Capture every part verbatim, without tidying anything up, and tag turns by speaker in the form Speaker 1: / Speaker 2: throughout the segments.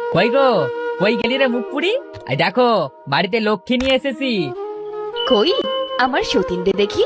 Speaker 1: কই গো, কই গেলি রে মুখ পুরি? এই দেখো, বাড়িতে লক্ষ্মী নিয়ে এসেছি।
Speaker 2: কই আমার সতীনরে দেখি।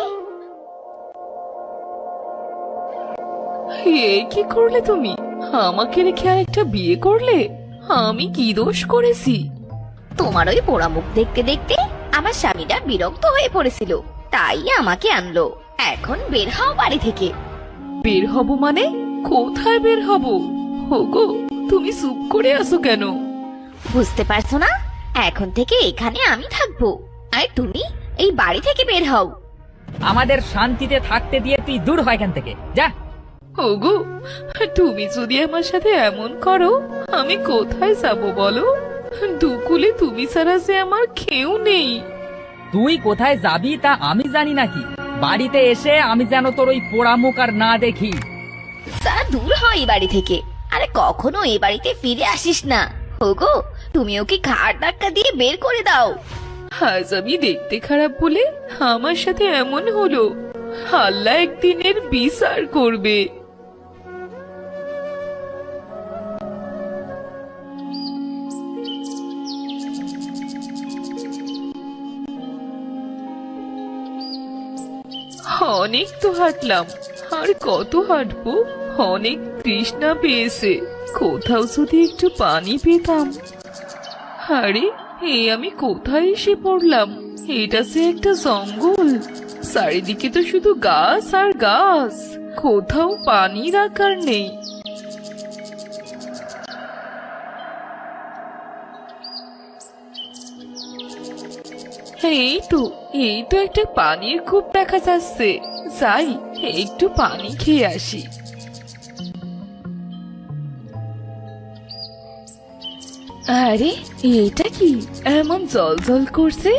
Speaker 3: এ কি করলে তুমি? আমাকে রেখে আরেকটা বিয়ে করলে? আমি কি দোষ করেছি?
Speaker 2: তোমার ওই পোড়া মুখ দেখতে দেখতে আমার স্বামীটা বিরক্ত হয়ে পড়েছিল, তাই আমাকে আনলো। এখন বের হও বাড়ি থেকে।
Speaker 3: বের হব মানে? কোথায় বের হব? হোগো, তুমি চুপ করে আছো কেন?
Speaker 2: বুঝতে পারছো না? এখন থেকে এখানে আমি থাকবো, আর তুমি এই বাড়ি থেকে বের হও।
Speaker 1: আমাদের শান্তিতে থাকতে দিয়ে তুই দূর হয় এখান থেকে, যা।
Speaker 3: হোগো, তুমি যদি আমার সাথে এমন করো, আমি কোথায় যাব বলো? দুকুলে তুমি ছাড়া যে আমার কেউ নেই।
Speaker 1: তুই কোথায় যাবি তা আমি জানি নাকি? বাড়িতে এসে আমি যেন তোর ওই পোড়া মুখ আর না দেখি।
Speaker 2: যা দূর হয় এই বাড়ি থেকে, আরে কখনো এই বাড়িতে ফিরে আসিস না। হোগো, তুমি ওকে ঘাড় ধাক্কা দিয়ে বের করে দাও।
Speaker 3: আজ আমি দেখতে খারাপ বলে আমার সাথে এমন হলো। আল্লাহ একদিনের বিচার করবে। অনেক তো হাঁটলাম, আর কত হাঁটবো? অনেক তৃষ্ণা পেয়েছে, কোথাও যদি একটু পানি পেতাম। আরে, এ আমি কোথায় এসে পড়লাম? এটা সে একটা জঙ্গল, চারিদিকে তো শুধু গাছ আর গাছ, কোথাও পানি রাখার নেই। এই তো এই তো একটা পানির কূপ দেখা যাচ্ছে, যাই একটু পানি খেয়ে আসি। আরে, এটা কি এমন জল জল করছে?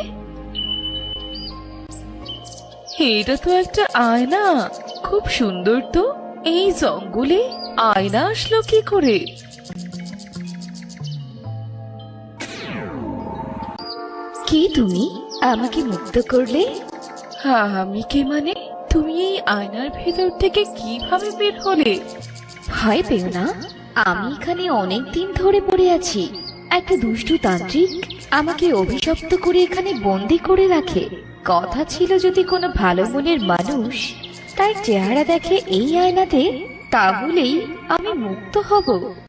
Speaker 3: এটা তো একটা আয়না, খুব সুন্দর তো। এই জঙ্গলে আয়না আসলো কি করে?
Speaker 2: কি তুমি আমাকে মুক্ত করলে?
Speaker 3: হ্যাঁ, আমি কে মানে? তুমি এই আয়নার ভেতর থেকে কিভাবে বের হলে?
Speaker 2: ভয় পেও না, আমি এখানে অনেক দিন ধরে পড়ে আছি। একটা দুষ্টু তান্ত্রিক আমাকে অভিশপ্ত করে এখানে বন্দি করে রাখে। কথা ছিল যদি কোনো ভালো মনের মানুষ তার চেহারা দেখে এই আয়নাতে, তাহলেই আমি মুক্ত হব।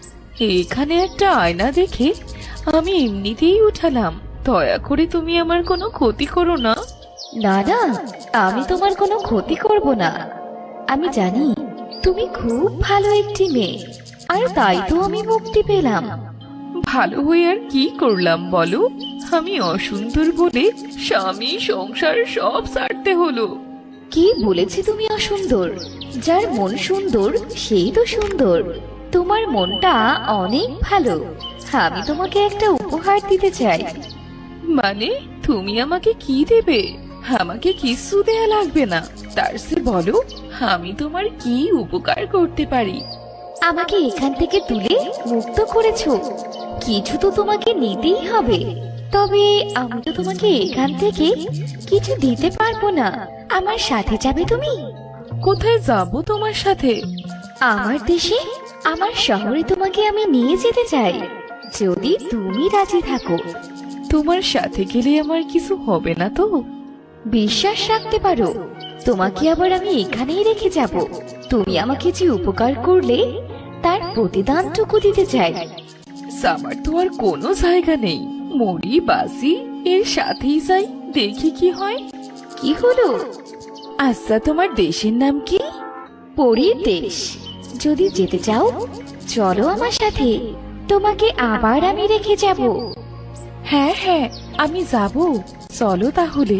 Speaker 3: এখানে একটা আয়না দেখে আমি এমনিতেই উঠালাম। দয়া করে তুমি আমার কোনো ক্ষতি করো না।
Speaker 2: না না, আমি তোমার কোনো ক্ষতি করব না। আমি জানি তুমি খুব ভালো একটি মেয়ে, আর তাই তো আমি মুক্তি পেলাম।
Speaker 3: ভালো হয়ে আর কি করলাম বলো? আমি অসুন্দর বলে স্বামী সংসার সব ছাড়তে হলো।
Speaker 2: কি বলেছি তুমি অসুন্দর? যার মন সুন্দর সেই তো সুন্দর। তোমার মনটা অনেক ভালো। আমি তোমাকে একটা উপহার দিতে চাই।
Speaker 3: মানে, তুমি আমাকে কি দেবে? আমাকে কিছু দেয়া লাগবে না, তার সে বলো আমি তোমার কি উপকার করতে পারি।
Speaker 2: আমাকে এখান থেকে তুলে মুক্ত করেছো, কিছু তো তোমাকে নিতেই হবে। তবে আমি তো তোমাকে এখান থেকে কিছু দিতে পারবো না। আমার সাথে যাবে তুমি?
Speaker 3: কোথায় যাব তোমার সাথে?
Speaker 2: আমার দেশে, আমার শহরে তোমাকে আমি নিয়ে যেতে চাই, যদি তুমি রাজি থাকো।
Speaker 3: তোমার সাথে গেলে আমার কিছু হবে না তো?
Speaker 2: বিশ্বাস রাখতে পারো, তোমাকে আবার আমি এখানেই রেখে যাব। তুমি আমাকে যে উপকার করলে তার প্রতিদানটুকু দিতে চাই।
Speaker 3: আমার তো আর কোনো জায়গা নেই, মরি বাসি এর সাথেই যাই, দেখি কি হয়।
Speaker 2: কি হলো?
Speaker 3: আচ্ছা, তোমার দেশের নাম কি?
Speaker 2: পরীর দেশ। যদি যেতে চাও চলো আমার সাথে, তোমাকে আবার আমি রেখে যাব।
Speaker 3: হ্যাঁ হ্যাঁ, আমি যাব, চলো তাহলে।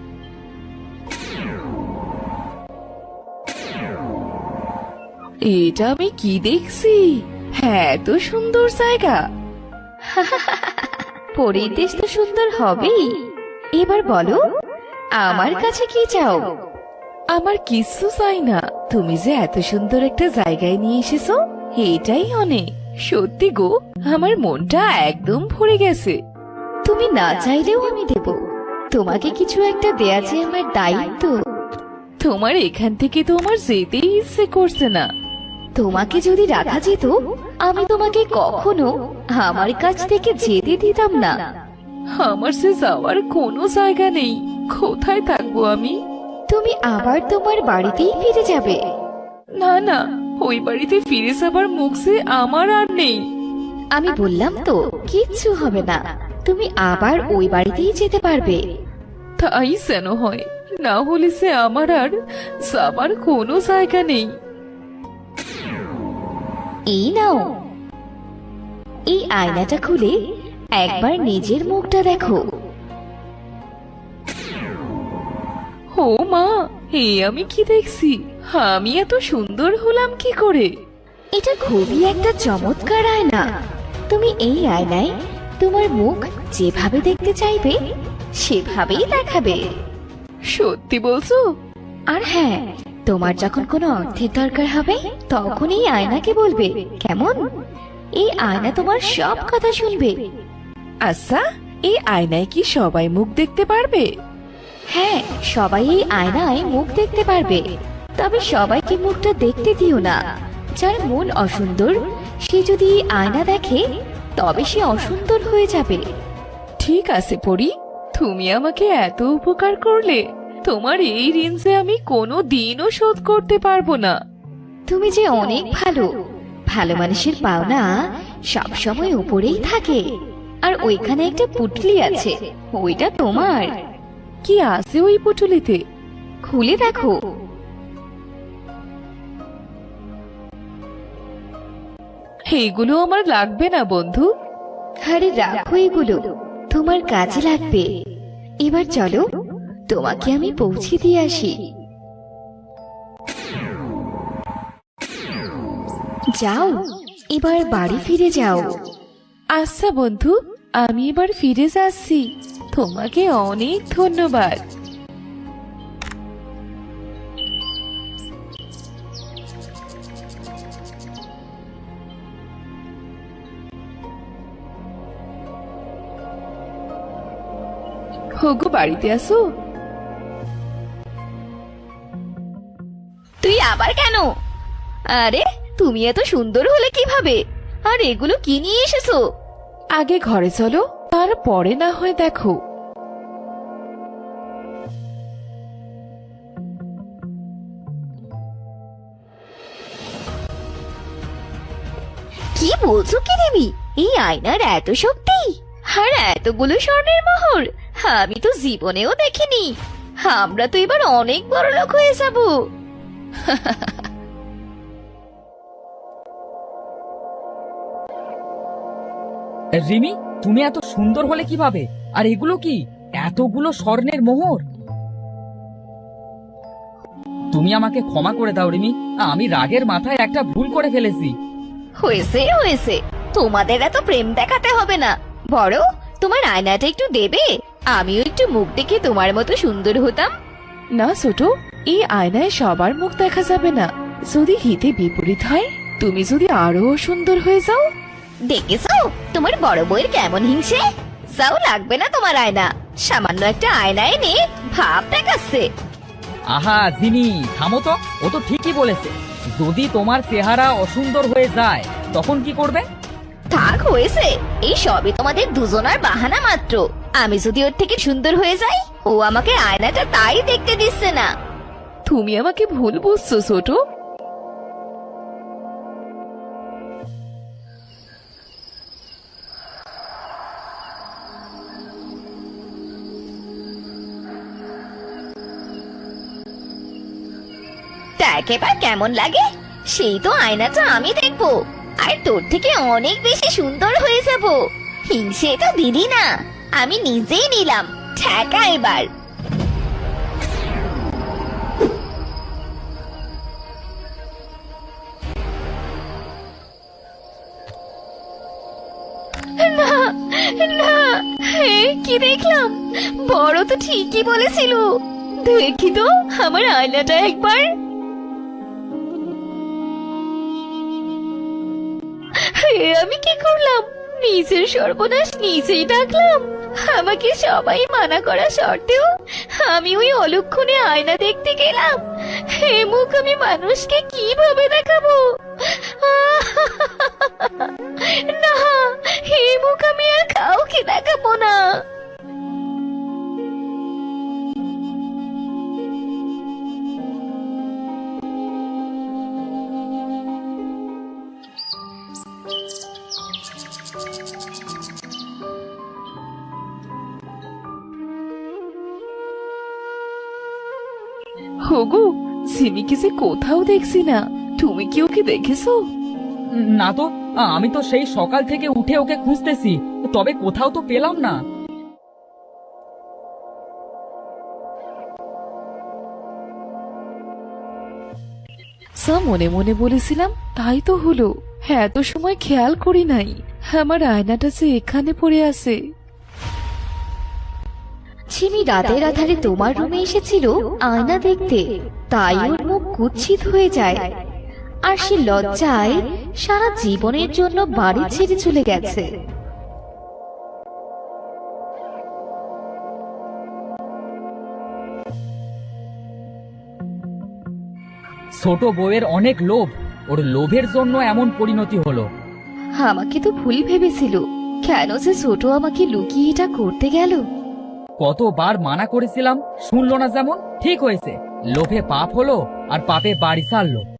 Speaker 3: এটা আমি কি দেখছি? হ্যাঁ, এত সুন্দর জায়গা।
Speaker 2: পরীর দেশ তো সুন্দর হবেই। এবার বলো, আমার কাছে কি চাও?
Speaker 3: আমার কিছু চাই না, তুমি যে এত সুন্দর একটা জায়গায় নিয়ে এসেছো এটাই অনেক। সত্যি গো, আমার মনটা একদম ভরে গেছে।
Speaker 2: তুমি না চাইলেও আমি দেব। তোমাকে কিছু একটা দেয়া যে আমার দায়িত্ব।
Speaker 3: তোমার এখান থেকে তো আমার যেতেই ইচ্ছে করছে না।
Speaker 2: তোমাকে যদি রাখা যেত আমি তোমাকে কখনো আমার কাছ থেকে যেতে দিতাম না।
Speaker 3: আমার সে যাওয়ার কোনো জায়গা নেই, কোথায় থাকবো আমি?
Speaker 2: তুমি আবার তোমার বাড়িতেই ফিরে যাবে।
Speaker 3: না না, ওই বাড়িতে ফিরে যাবার মুখ যে আমার আর নেই।
Speaker 2: আমি বললাম তো কিচ্ছু হবে না, তুমি আবার ওই বাড়িতেই যেতে পারবে।
Speaker 3: তাই যেন হয়, না হলে সে আমার আর যাবার কোনো জায়গা নেই।
Speaker 2: এই নাও, এই আয়নাটা খুলে একবার নিজের মুখটা দেখো।
Speaker 3: ও মা, হে আমি কি দেখছি? আমি এত সুন্দর হলাম কি করে?
Speaker 2: এটা খুবই একটা চমৎকার আয়না। তুমি এই আয়নায় তোমার মুখ যেভাবে দেখতে চাইবে সেভাবেই দেখাবে।
Speaker 3: সত্যি বলছো?
Speaker 2: আর হ্যাঁ, তোমার যখন কোনো অর্থের দরকার হবে তখন এই আয়নাকে বলবে, কেমন? এই আয়না তোমার সব কথা শুনবে।
Speaker 3: আচ্ছা, এই আয়নায় কি সবাই মুখ দেখতে পারবে?
Speaker 2: হ্যাঁ, সবাই এই আয়নায় মুখ দেখতে পারবে, তবে সবাইকে মুখটা দেখতে দিও না। যার মন অসুন্দর সে যদি এই আয়না দেখে তবে সে অসুন্দর হয়ে যাবে।
Speaker 3: ঠিক আছে পরি, তুমি আমাকে এত উপকার করলে, তোমার এই ঋণ যে আমি কোনো দিনও শোধ করতে পারবো না।
Speaker 2: তুমি যে অনেক ভালো, ভালো মানুষের পাওনা সব সময় উপরেই থাকে। আর ওইখানে একটা পুটলি আছে, ওইটা তোমার।
Speaker 3: কি আছে ওই পুটুলিতে?
Speaker 2: খুলে দেখো।
Speaker 3: এইগুলো আমার লাগবে না বন্ধু।
Speaker 2: আরে রাখো, এগুলো তোমার কাজে লাগবে। এবার চলো, তোমাকে আমি পৌঁছে দিয়ে আসি। যাও, এবার বাড়ি ফিরে যাও।
Speaker 3: আচ্ছা বন্ধু, আমি এবার ফিরে যাচ্ছি। তোমাকে অনেক ধন্যবাদ। হোগো, বাড়িতে আসো।
Speaker 2: তুই আবার কেন? আরে তুমি এত সুন্দর হলে কিভাবে? আর এগুলো কি নিয়ে এসেছো?
Speaker 3: আগে ঘরে চলো, তারপরে না হয় দেখো।
Speaker 2: কি বলছো কি দেবী? এই আয়নার এত শক্তি আর এতগুলো স্বর্ণের মোহর আমি তো জীবনেও দেখিনি। আমরা তো এবার অনেক বড় লোক হয়ে যাব।
Speaker 1: রিমি, তুমি এত সুন্দর হলে কিভাবে? আর এগুলো কি? এতগুলো স্বর্ণের মোহর? তুমি আমাকে ক্ষমা করে দাও রিমি, আমি রাগের মাথায় একটা ভুল করে ফেলেছি।
Speaker 2: হয়েছে হয়েছে, তোমাদের এত প্রেম দেখাতে হবে না। বড়, তোমার আয়নাটা একটু দেবে? আমিও একটু মুখ দেখে তোমার মতো সুন্দর হতাম।
Speaker 3: না ছোট, এই আয়নায় সবার মুখ দেখা যাবে না। যদি হিতে বিপরীত হয়, তুমি যদি আরো সুন্দর হয়ে যাও।
Speaker 2: দেখেছো তোমার বড় বউয়ের কেমন হিংসে? যাও, লাগবে না তোমার আয়না। সামান্য একটা আয়না এনে ভাব দেখাচ্ছে।
Speaker 1: আহা জিমি, থামো তো, ও তো ঠিকই বলেছে। যদি তোমার চেহারা অসুন্দর হয়ে যায় তখন কি করবে?
Speaker 2: থাক, হয়েছে। এই সবই তোমাদের দুজনার বাহানা মাত্র। আমি যদি ওর থেকে সুন্দর হয়ে যাই, ও আমাকে আয়নাটা তাই দেখতে দিচ্ছে না।
Speaker 3: তুমি আমাকে ভুল বুঝছো ছোট।
Speaker 2: দেখ এবার কেমন লাগে। সেই তো আয়নাটা আমি দেখবো, আর তোর থেকে অনেক বেশি সুন্দর হয়ে যাব। হিংসে তো দিলি না, আমি নিজেই নিলাম। ঠেকা এবার। না না, হে কি দেখলাম! বড় তো ঠিকই বলেছিল। দেখি তো আমার আয়নাটা একবার। হে, আমি কি করলাম? নিজের সর্বনাশ নিজেই ডাকলাম। আমাকে সবাই মানা করা সত্ত্বেও আমি ওই অলক্ষণে আয়না দেখতে গেলাম। হে মুখ আমি মানুষকে কিভাবে দেখাবো?
Speaker 3: ওগো, সিমিকে যে কোথাও দেখছি না। তুমি কি ওকে দেখেছো?
Speaker 1: না তো, আমি তো সেই সকাল থেকে উঠে ওকে খুঁজতেছি, তবে কোথাও তো পেলাম না।
Speaker 3: সা মনে মনে বলেছিলাম, তাই তো হলো। হ্যাঁ, এত সময় খেয়াল করি নাই। আমার আয়নাটা যে এখানে পড়ে আছে।
Speaker 2: ছিমি রাতের আধারে তোমার রুমে এসেছিল আয়না দেখতে, তাই ওর মুখ কুৎসিত হয়ে যায় আর সে লজ্জায় সারা জীবনের জন্য বাড়ি ছেড়ে চলে গেছে।
Speaker 1: ছোট বউয়ের অনেক লোভ, ওর লোভের জন্য এমন পরিণতি হলো।
Speaker 2: আমাকে তো ভুল ভেবেছিল, কেন যে ছোট আমাকে লুকিয়ে এটা করতে গেল।
Speaker 1: কতবার মানা করেছিলাম, শুনলো না যেমন। ঠিক হয়েছে, লোভে পাপ হলো আর পাপে বাড়ি ছাড়লো।